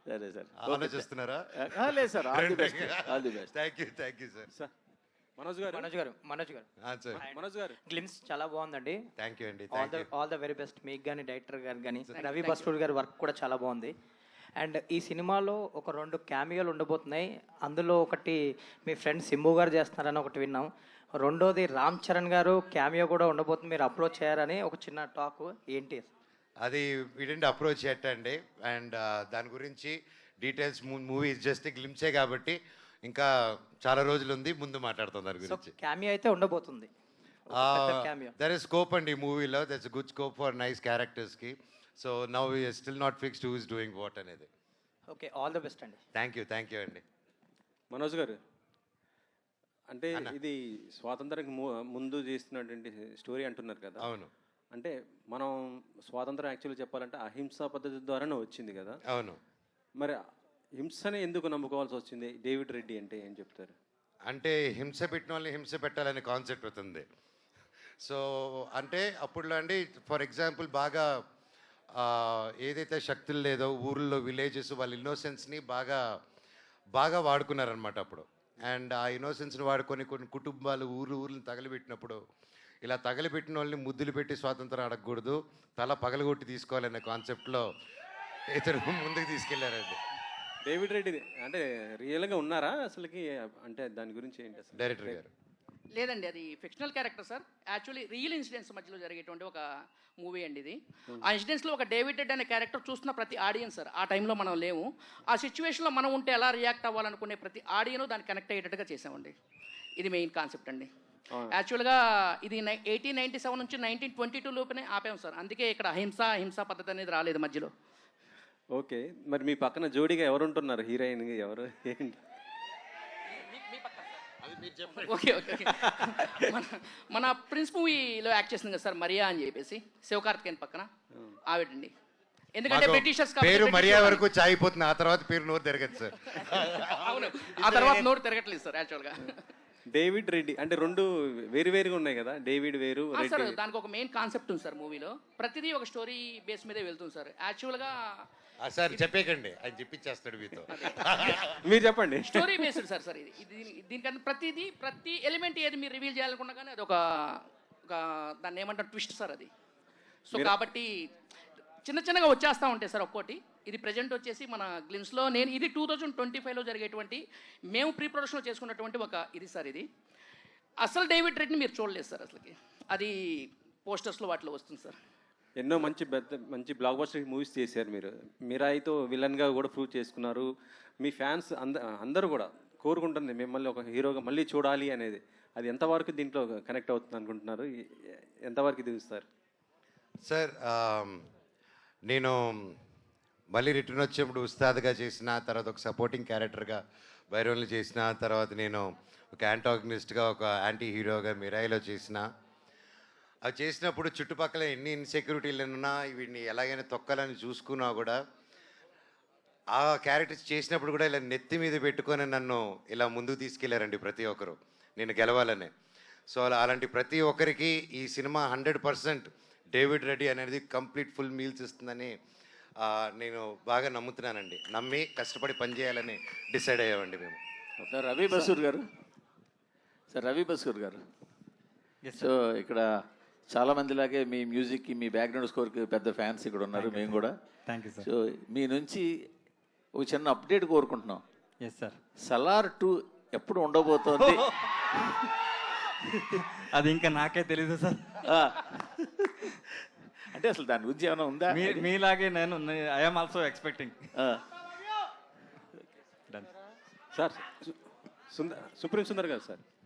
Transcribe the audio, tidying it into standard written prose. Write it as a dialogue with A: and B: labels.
A: సరే సార్,
B: ఆలోచిస్తున్నారా?
A: లేదు sir, all the best, all the best.
B: Thank you sir.
C: Manoj గారు
B: సార్
C: మనోజ్ గారు
D: గ్లిమ్స్ చాలా బాగుందండి.
B: థ్యాంక్ యూ అండి.
D: ఆల్ ద వెరీ బెస్ట్ మీకు కానీ, డైరెక్టర్ గారు కానీ, రవి బస్టూర్ గారి వర్క్ కూడా చాలా బాగుంది. అండ్ ఈ సినిమాలో ఒక 2 క్యామియోలు ఉండబోతున్నాయి. అందులో ఒకటి మీ ఫ్రెండ్ సింబు గారు చేస్తున్నారని ఒకటి విన్నాం. రెండోది రామ్ చరణ్ గారు క్యామియో కూడా ఉండబోతుంది, మీరు అప్రోచ్ చేయారని ఒక చిన్న టాక్. ఏంటి
B: అది వీడింటి అప్రోచ్ అండి. అండ్ దాని గురించి డీటెయిల్స్ మూవీ జస్ట్ గ్లిమ్సే కాబట్టి ఇంకా చాలా రోజులు ఉంది, ముందు మాట్లాడుతాం దాని గురించి.
D: క్యామియో అయితే ఉండబోతుంది.
B: దర్ ఇస్ స్కోప్ అండి ఈ మూవీలో. That's good scope for nice క్యారెక్టర్స్కి. So now we're still not fixed who is doing what అనేది.
D: ఓకే, ఆల్ ద బెస్ట్ అండి.
B: థ్యాంక్ యూ అండి.
C: మనోజ్ గారు, అంటే ఇది స్వాతంత్రానికి ముందు చేస్తున్నటువంటి స్టోరీ అంటున్నారు కదా.
B: అవును.
C: అంటే మనం స్వాతంత్రం యాక్చువల్లీ చెప్పాలంటే అహింసా పద్ధతి ద్వారానే వచ్చింది కదా.
B: అవును.
C: మరి హింసనే ఎందుకు నమ్ముకోవాల్సి వచ్చింది? డేవిడ్ రెడ్డి అంటే ఏం చెప్తారు?
B: అంటే హింస పెట్టిన వాళ్ళని హింస పెట్టాలనే కాన్సెప్ట్ అవుతుంది. సో అంటే అప్పుడులో అండి, ఫర్ ఎగ్జాంపుల్ బాగా ఏదైతే శక్తులు లేదో ఊర్లో విలేజెస్ వాళ్ళ ఇన్నోసెన్స్ని బాగా వాడుకున్నారనమాట అప్పుడు. అండ్ ఆ ఇన్నోసెన్స్ని వాడుకొని కొన్ని కుటుంబాలు ఊర్లను తగలబెట్టినప్పుడు, ఇలా తగలబెట్టిన వాళ్ళని ముద్దులు పెట్టి స్వాతంత్రం అడగకూడదు, తల పగలగొట్టి తీసుకోవాలనే కాన్సెప్ట్లో ఇతను ముందుకు తీసుకెళ్లారండి.
C: డేవిడ్ రెడ్డి అంటే రియల్గా ఉన్నారా అసలుకి? అంటే దాని గురించి ఏంటి అసలు?
B: డైరెక్టర్ గారు
E: లేదండి, అది fictional character sir. Actually real incidents మధ్యలో జరిగేటువంటి ఒక మూవీ అండి ఇది. ఆ ఇన్సిడెంట్స్లో ఒక డేవిడ్ రెడ్ అనే క్యారెక్టర్ చూస్తున్న ప్రతి ఆడియన్స్ సార్, ఆ టైంలో మనం లేము, ఆ సిచ్యువేషన్లో మనం ఉంటే ఎలా రియాక్ట్ అవ్వాలనుకునే ప్రతి ఆడియన్ దాన్ని కనెక్ట్ అయ్యేటట్టుగా చేసామండి. ఇది మెయిన్ కాన్సెప్ట్ అండి. యాక్చువల్గా ఇది 1897 నుంచి 1922 లోపునే ఆపాం సార్. అందుకే ఇక్కడ హింసా పద్ధతి అనేది రాలేదు మధ్యలో.
C: ఓకే, మరి మీ పక్కన జోడీగా ఎవరు ఉంటున్నారు? హీరోయిన్ ఎవరు ఏంటి?
E: ఓకే ఓకే మన ప్రిన్స్ మూవీలో యాక్ట్ చేసింది కదా సార్, మరియా అని చెప్పేసి, శివకార్తికేయన్ పక్కన ఆవిడండి. ఎందుకంటే బ్రిటిషర్స్
B: పేరు మరియా వరకు చాయిపోతుంది, ఆ తర్వాత పేరు నోరు తిరగదు సార్.
E: అవును, ఆ తర్వాత నోరు తిరగట్లేదు సార్ యాక్చువల్గా.
C: డేవిడ్ రెడ్డి అంటే రెండు వేరుగా ఉన్నాయి కదా, డేవిడ్ వేరు
E: సార్. దానికి ఒక మెయిన్ కాన్సెప్ట్ ఉంది సార్ మూవీలో. ప్రతిదీ ఒక స్టోరీ బేస్ మీదే వెళ్తుంది సార్. యాక్చువల్గా
B: సార్ చెప్పేకండి, ఆయన చెప్పించేస్తాడు మీతో.
C: మీరు చెప్పండి.
E: స్టోరీ బేస్డ్ సార్ ఇది. దీనికన్నా ప్రతి ఎలిమెంట్ ఏది మీరు రివీల్ చేయాలనుకున్నా కానీ అది ఒక దాన్ని ఏమంటారు ట్విస్ట్ సార్ అది. సో కాబట్టి చిన్నగా వచ్చేస్తూ ఉంటాయి సార్ ఒక్కోటి. ఇది ప్రజెంట్ వచ్చేసి మన గ్లిమ్స్లో ఇది 2025లో జరిగేటువంటి మేము ప్రీ ప్రొడక్షన్లో చేసుకున్నటువంటి ఒక ఇది సార్. ఇది అసలు డేవిడ్ రెడ్ని మీరు చూడలేదు సార్ అసలుకి, అది పోస్టర్స్లో వాటిలో వస్తుంది సార్.
C: ఎన్నో మంచి బ్లాక్ బస్టర్ మూవీస్ చేశారు మీరు. మీరాయితో విలన్గా కూడా ప్రూవ్ చేసుకున్నారు. మీ ఫ్యాన్స్ అందరూ కూడా కోరుకుంటుంది మిమ్మల్ని ఒక హీరోగా మళ్ళీ చూడాలి అనేది. అది ఎంతవరకు దీంట్లో కనెక్ట్ అవుతుంది అనుకుంటున్నారు? ఎంతవరకు దిగుస్తారు
B: సార్? నేను మళ్ళీ రిటర్న్ వచ్చేప్పుడు ఉస్తాద్గా చేసిన తర్వాత, ఒక సపోర్టింగ్ క్యారెక్టర్గా బైరోన్లు చేసిన తర్వాత, నేను ఒక యాంటాగనిస్ట్గా ఒక యాంటీ హీరోగా మిరాయిలో చేసిన. అవి చేసినప్పుడు చుట్టుపక్కల ఎన్ని ఇన్సెక్యూరిటీలు ఉన్నా వీడిని ఎలాగైనా తొక్కాలని చూసుకున్నా కూడా, ఆ క్యారెక్టర్స్ చేసినప్పుడు కూడా ఇలా నెత్తి మీద పెట్టుకొని నన్ను ఇలా ముందుకు తీసుకెళ్లారండి ప్రతి ఒక్కరు, నేను గెలవాలని. సో అలాంటి ప్రతి ఒక్కరికి ఈ సినిమా 100% డేవిడ్ రెడ్డి అనేది కంప్లీట్ ఫుల్ మీల్స్ ఇస్తుందని నేను బాగా నమ్ముతున్నానండి. నమ్మి కష్టపడి పనిచేయాలని డిసైడ్ అయ్యామండి మేము.
A: సార్ రవి బసూర్ గారు సో ఇక్కడ చాలా మందిలాగే మీ మ్యూజిక్కి, మీ బ్యాక్గ్రౌండ్ స్కోర్కి పెద్ద ఫ్యాన్స్ ఇక్కడ ఉన్నారు, మేము కూడా.
F: Thank you sir.
A: సో మీ నుంచి ఒక చిన్న అప్డేట్ కోరుకుంటున్నాం.
F: Yes sir.
A: సలార్ 2 ఎప్పుడు ఉండబోతోంది?
F: అది ఇంకా నాకే తెలీదు సార్.
A: అంటే అసలు దాని గురించి ఏమైనా ఉందా?
F: మీలాగే నేను I'm also expecting.
C: Sir Supreme Sundar గారు సార్.